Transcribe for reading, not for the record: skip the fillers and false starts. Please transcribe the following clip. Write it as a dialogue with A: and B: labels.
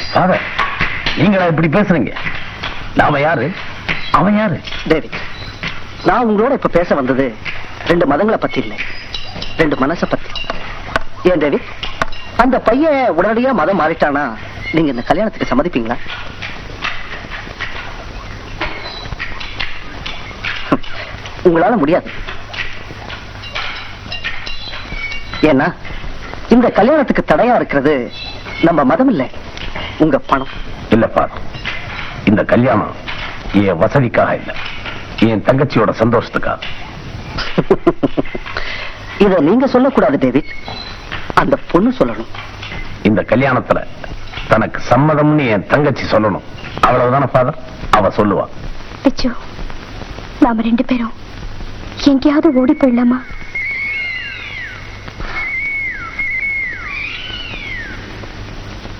A: Father, நீங்களா இப்படி பேசுறீங்க? நாம யாரு, அவன் யாரு?
B: டேவிட், நான் உங்களோட இப்ப பேச வந்தது 2 மதங்களை பத்தி இல்லை, 2 மனசை பத்தி. ஏன் டேவிட், அந்த பையன் உடனடியா மதம் மாறிட்டானா நீங்க இந்த கல்யாணத்துக்கு சம்மதிப்பீங்களா? உங்களால முடியாது. ஏன்னா இந்த கல்யாணத்துக்கு தடையா இருக்கிறது நம்ம மதம் இல்லை, உங்க பணம்.
A: இல்ல ஃபாதர், இந்த கல்யாணம் என் வசதிக்காக இல்ல, என் தங்கச்சியோட சந்தோஷத்துக்காக.
B: இத நீங்க சொல்லக்கூடாது டேவிட், அந்த பொண்ணு சொல்லணும்.
A: இந்த கல்யாணத்துல தனக்கு சம்மதம்னு என் தங்கச்சி சொல்லணும், அவ்வளவுதானே ஃபாதர்? அவ சொல்லுவா.
C: பிச்சு, நாம 2 பேரும் எங்கேயாவது ஓடி போயிடலாமா?